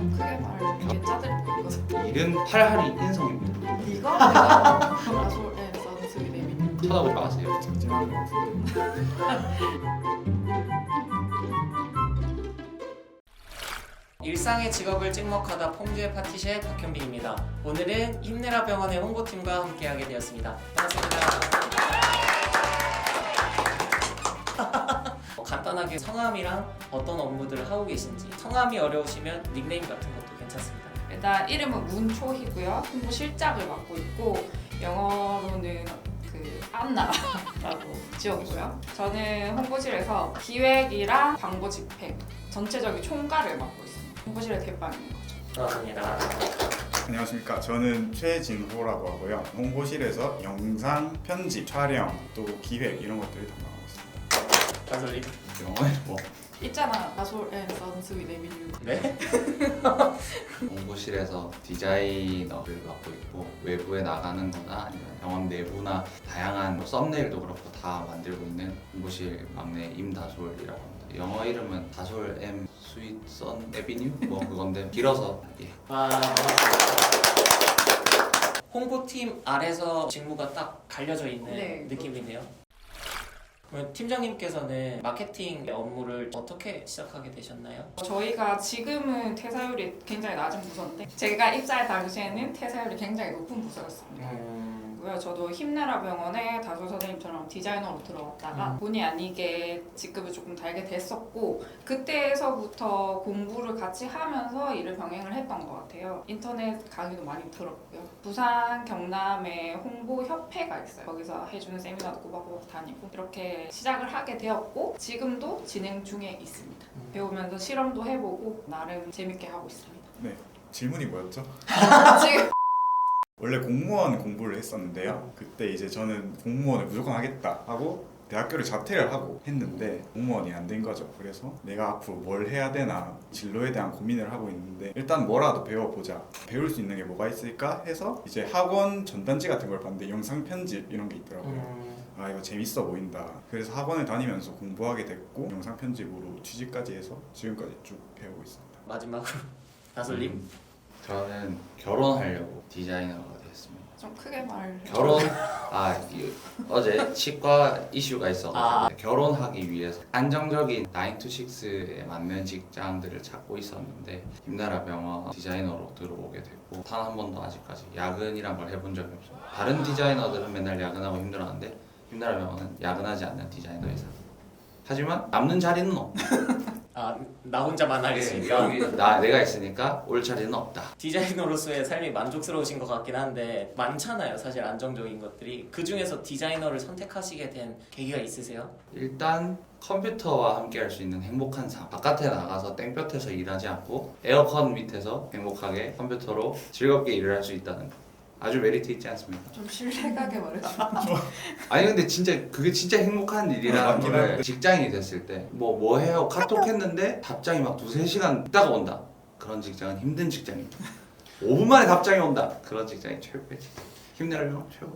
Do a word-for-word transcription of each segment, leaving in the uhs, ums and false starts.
좀 크게 말해. 짜들 보이거든. 이른 팔할이 인성입니다. 이거 내가 라솔에 선수기 내민. 쳐다보지 마세요. 징징한 것 같은데. 일상의 직업을 찍먹하다 퐁듀의 파티셰 박현빈입니다. 오늘은 힘내라 병원의 홍보팀과 함께하게 되었습니다. 반갑습니다. 어, 간단하게 성함이랑 어떤 업무들을 하고 계신지, 성함이 어려우시면 닉네임 같은 것도 괜찮습니다. 일단 이름은 문초희고요. 홍보실장을 맡고 있고 영어로는 그 안나라고 지었고요. 저는 홍보실에서 기획이랑 광고 집행, 전체적인 총괄을 맡고 있습니다. 홍보실의 대빵인 거죠. 반갑습니다. 안녕하십니까. 저는 최진호라고 하고요. 홍보실에서 영상 편집, 촬영, 또 기획 이런 것들을 담당하고 있습니다. 가솔님. 영어에 뭐 있잖아. 라솔에 선수기 내민. 네? 공부실에서 디자이너를 맡고 있고 외부에 나가는 거나 아니면 병원 내부나 다양한 뭐 썸네일도 그렇고 다 만들고 있는 공부실 막내 임다솔이라고 합니다. 영어 이름은 다솔 M 스윗 선 에비뉴? 뭐 그건데 길어서 예. 와, 홍보팀 아래서 직무가 딱 갈려져 있는 네. 느낌이네요. 그러면 팀장님께서는 마케팅 업무를 어떻게 시작하게 되셨나요? 저희가 지금은 퇴사율이 굉장히 낮은 부서인데 제가 입사할 당시에는 퇴사율이 굉장히 높은 부서였습니다. 음... 고요. 저도 힘내라 병원에 다솔 선생님처럼 디자이너로 들어갔다가 음. 본의 아니게 직급을 조금 달게 됐었고 그때에서부터 공부를 같이 하면서 일을 병행을 했던 것 같아요. 인터넷 강의도 많이 들었고요. 부산 경남에 홍보협회가 있어요. 거기서 해주는 세미나도 꼬박꼬박 다니고 이렇게 시작을 하게 되었고 지금도 진행 중에 있습니다. 음. 배우면서 실험도 해보고 나름 재밌게 하고 있습니다. 네. 질문이 뭐였죠? 지금 원래 공무원 공부를 했었는데요. 그때 이제 저는 공무원을 무조건 하겠다 하고 대학교를 자퇴를 하고 했는데 공무원이 안 된 거죠. 그래서 내가 앞으로 뭘 해야 되나 진로에 대한 고민을 하고 있는데 일단 뭐라도 배워보자. 배울 수 있는 게 뭐가 있을까 해서 이제 학원 전단지 같은 걸 봤는데 영상 편집 이런 게 있더라고요. 음... 아 이거 재밌어 보인다. 그래서 학원을 다니면서 공부하게 됐고 영상 편집으로 취직까지 해서 지금까지 쭉 배우고 있습니다. 마지막으로 다솔님. 음, 저는 결혼하려고 디자이너가 됐습니다. 좀 크게 말. 결혼 아 이, 어제 치과 이슈가 있어서 아. 결혼하기 위해서 안정적인 나인 투 식스에 맞는 직장들을 찾고 있었는데 힘내라 병원 디자이너로 들어오게 됐고 단 한 번도 아직까지 야근이란 걸 해본 적이 없어요. 다른 디자이너들은 맨날 야근하고 힘들어하는데 힘내라 병원은 야근하지 않는 디자이너 회사. 하지만 남는 자리는 없다. 아, 나 혼자만 하겠습니까? 여기 나 내가 있으니까 올 자리는 없다. 디자이너로서의 삶이 만족스러우신 것 같긴 한데 많잖아요, 사실 안정적인 것들이. 그 중에서 디자이너를 선택하시게 된 계기가 있으세요? 일단 컴퓨터와 함께 할 수 있는 행복한 삶. 바깥에 나가서 땡볕에서 일하지 않고 에어컨 밑에서 행복하게 컴퓨터로 즐겁게 일을 할 수 있다는 거. 아주 메리트 있지 않습니까? 좀 신뢰가게 말해줘. 아니 근데 진짜 그게 진짜 행복한 일이라는 맞긴 거를 한데. 직장인이 됐을 때 뭐 뭐 해요? 카톡 했는데 답장이 막 두세 시간 있다가 온다. 그런 직장은 힘든 직장입니다. 오 분 만에 답장이 온다. 그런 직장이 최고지. 힘내라면 최고.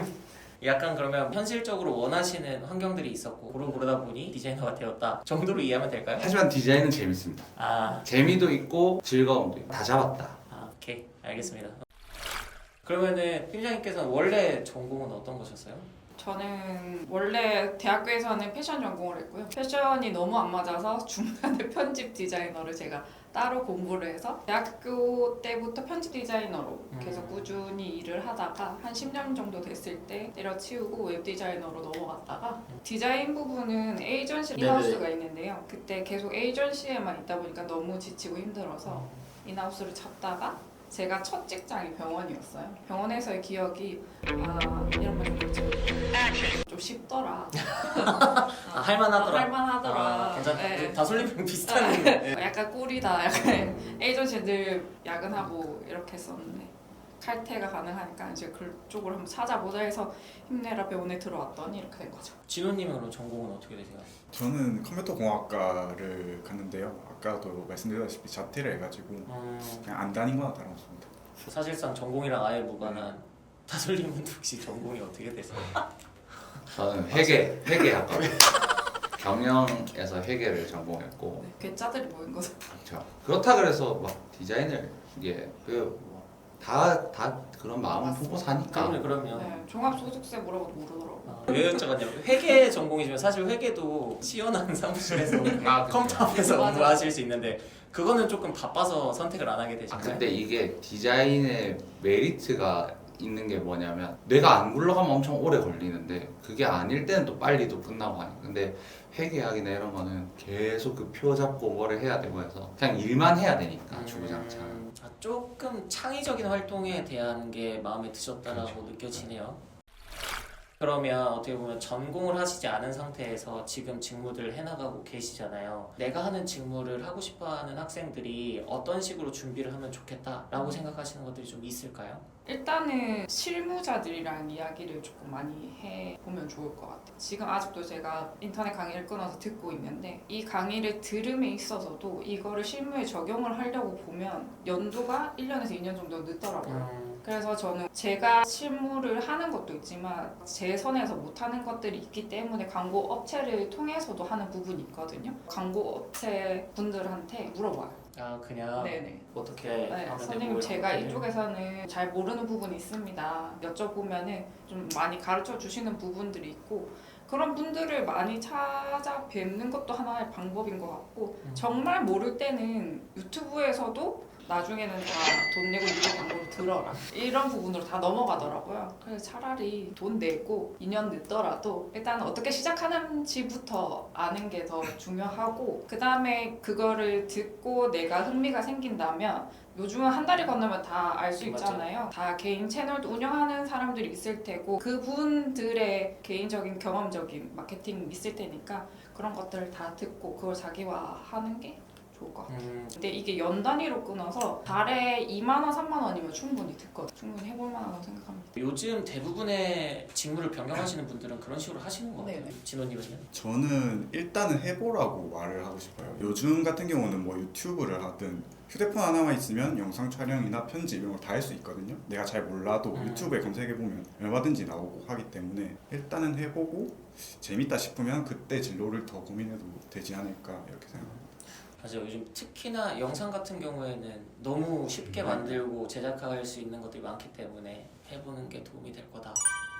약간 그러면 현실적으로 원하시는 환경들이 있었고 고르 고르다 보니 디자이너가 되었다 정도로 이해하면 될까요? 하지만 디자인은 재밌습니다. 아, 재미도 있고 즐거움도 있고 다 잡았다. 아 오케이 알겠습니다. 그러면은 팀장님께서는 원래 전공은 어떤 거셨어요? 저는 원래 대학교에서는 패션 전공을 했고요. 패션이 너무 안 맞아서 중간에 편집 디자이너를 제가 따로 공부를 해서 대학교 때부터 편집 디자이너로 계속 음. 꾸준히 일을 하다가 한 십 년 정도 됐을 때 때려치우고 웹 디자이너로 넘어갔다가 디자인 부분은 에이전시 네네. 인하우스가 있는데요. 그때 계속 에이전시에만 있다 보니까 너무 지치고 힘들어서 인하우스를 잡다가 제가 첫 직장이 병원이었어요. 병원에서의 기억이 아 이런 말좀 그렇죠. 좀 쉽더라. 아, 할만하더라. 어, 할만하더라. 아, 괜찮. 네. 다솔님이랑 비슷한. 네. 약간 꿀이다. 약간 에이전시들 야근하고 이렇게 했었는데 칼퇴가 가능하니까 이제 그쪽으로 한번 찾아보자 해서 힘내라 병원에 들어왔더니 이렇게 된 거죠. 진호님은 그럼 전공은 어떻게 되세요? 저는 컴퓨터 공학과를 갔는데요. 아까도 말씀드렸다시피 자퇴를 해가지고 음, 그냥 안 다닌 거나 다름없습니다. 사실상 전공이랑 아예 무관한. 다솔님은 혹시 전공이 어떻게 되세요? 저는 회계 회계학과 경영에서 회계를 전공했고 네, 괴짜들이 모인 거죠. 그렇죠. 그렇다 그래서 막 디자인을 이게 그다다 그런 마음을 품고 사니까 그럼요, 그럼요. 네, 종합소득세 물어봐도 모르더라고요. 아, 왜 여쭤봤냐면 회계 전공이지만 사실 회계도 시원한 사무실에서 아, 컴퓨터 앞에서 맞아. 공부하실 수 있는데 그거는 조금 바빠서 선택을 안 하게 아 되시나요? 근데 이게 디자인의 메리트가 있는 게 뭐냐면 내가 안 굴러가면 엄청 오래 걸리는데 그게 아닐 때는 또 빨리도 끝나고 하니까 근데 회계학이나 이런 거는 계속 그 표 잡고 뭐를 해야 되고 해서 그냥 일만 해야 되니까 주구장창. 음, 아, 조금 창의적인 활동에 대한 게 마음에 드셨다라고 그렇죠. 느껴지네요. 그러면 어떻게 보면 전공을 하시지 않은 상태에서 지금 직무들을 해나가고 계시잖아요. 내가 하는 직무를 하고 싶어하는 학생들이 어떤 식으로 준비를 하면 좋겠다라고 생각하시는 것들이 좀 있을까요? 일단은 실무자들이랑 이야기를 조금 많이 해보면 좋을 것 같아요. 지금 아직도 제가 인터넷 강의를 끊어서 듣고 있는데 이 강의를 들음에 있어서도 이거를 실무에 적용을 하려고 보면 연도가 일 년에서 이 년 정도 늦더라고요. 음, 그래서 저는 제가 실무를 하는 것도 있지만 제 선에서 못하는 것들이 있기 때문에 광고 업체를 통해서도 하는 부분이 있거든요. 광고 업체 분들한테 물어봐요. 아 그냥 네네. 어떻게 네, 하면 선생님 되고 제가 이렇게. 이쪽에서는 잘 모르는 부분이 있습니다. 여쭤보면은 좀 많이 가르쳐 주시는 부분들이 있고 그런 분들을 많이 찾아뵙는 것도 하나의 방법인 것 같고 음. 정말 모를 때는 유튜브에서도 나중에는 다 돈 내고 유튜브 광고를 들어라 이런 부분으로 다 넘어가더라고요. 그래서 차라리 돈 내고 이 년 늦더라도 일단 어떻게 시작하는지부터 아는 게 더 중요하고 그 다음에 그거를 듣고 내가 흥미가 생긴다면 요즘은 한 달이 건너면 다 알 수 맞죠. 있잖아요. 다 개인 채널도 운영하는 사람들이 있을 테고 그분들의 개인적인 경험적인 마케팅 있을 테니까 그런 것들을 다 듣고 그걸 자기화하는 게 좋을 것 같아요. 음, 근데 이게 연 단위로 끊어서 달에 이만 원, 삼만 원이면 충분히 듣거든요. 충분히 해볼 만하다고 생각합니다. 요즘 대부분의 직무를 변경하시는 분들은 그런 식으로 하시는 것 같아요. 네네. 진호님은요? 저는 일단은 해보라고 말을 하고 싶어요. 요즘 같은 경우는 뭐 유튜브를 하든 휴대폰 하나만 있으면 영상 촬영이나 편집 이런 걸 다 할 수 있거든요. 내가 잘 몰라도 음. 유튜브에 검색해보면 얼마든지 나오고 하기 때문에 일단은 해보고 재밌다 싶으면 그때 진로를 더 고민해도 되지 않을까 이렇게 생각합니다. 맞아요. 요즘 특히나 영상 같은 경우에는 너무 쉽게 만들고 제작할 수 있는 것들이 많기 때문에 해보는 게 도움이 될 거다.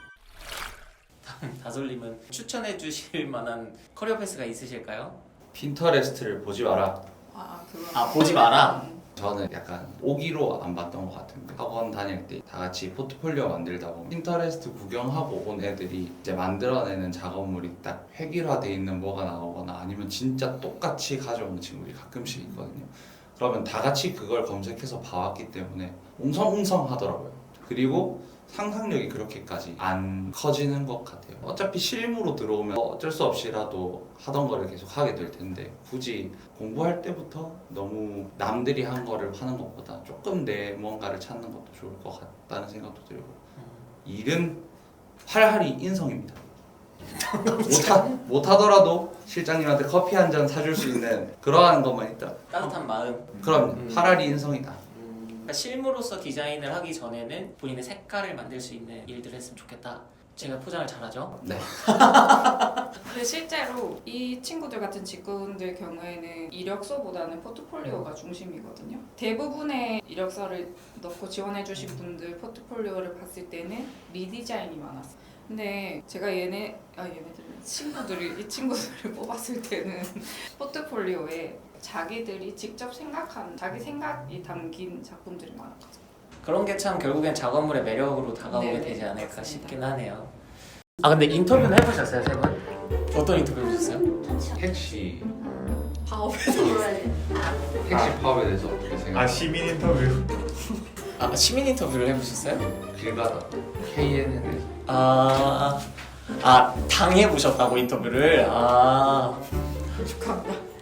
다음 다솔님은 추천해 주실 만한 커리어 패스가 있으실까요? 핀터레스트를 보지 마라. 아, 그거. 아, 보지 마라? 저는 약간 오기로 안 봤던 것 같은데 학원 다닐 때 다 같이 포트폴리오 만들다 보면 핀터레스트 구경하고 온 애들이 이제 만들어내는 작업물이 딱 획일화돼 있는 뭐가 나오거나 아니면 진짜 똑같이 가져오는 친구들이 가끔씩 있거든요. 그러면 다 같이 그걸 검색해서 봐왔기 때문에 웅성웅성 하더라고요. 그리고 상상력이 그렇게까지 안 커지는 것 같아요. 어차피 실무로 들어오면 어쩔 수 없이라도 하던 거를 계속 하게 될 텐데 굳이 공부할 때부터 너무 남들이 한 거를 하는 것보다 조금 내 뭔가를 찾는 것도 좋을 것 같다는 생각도 들고 일은 활활이 인성입니다. 못하, 못하더라도 실장님한테 커피 한 잔 사줄 수 있는 그러한 것만 있다. 따뜻한 마음. 그럼 음. 활활이 인성이다. 음, 그러니까 실무로서 디자인을 하기 전에는 본인의 색깔을 만들 수 있는 일들을 했으면 좋겠다. 제가 포장을 잘하죠? 네. 근데 실제로 이 친구들 같은 직군들 경우에는 이력서보다는 포트폴리오가 중심이거든요. 대부분의 이력서를 넣고 지원해주신 분들 포트폴리오를 봤을 때는 리디자인이 많았어요. 근데 제가 얘네, 아 얘네들 친구들이 이 친구들을 뽑았을 때는 포트폴리오에 자기들이 직접 생각한 자기 생각이 담긴 작품들이 많았거든요. 그런 게 참 결국엔 작업물의 매력으로 다가오게 네네, 되지 않을까 맞습니다. 싶긴 하네요. 아 근데 인터뷰는 해보셨어요, 세 분? 어떤 인터뷰 해보셨어요? 택시 파업에서 택시 파업에 대해서 어떻게 생각하세요? 아 시민 인터뷰. 아 시민 인터뷰를 해보셨어요? 길 가다 케이엔엔에서 아, 아 당해보셨다고 인터뷰를? 아 축하합니다.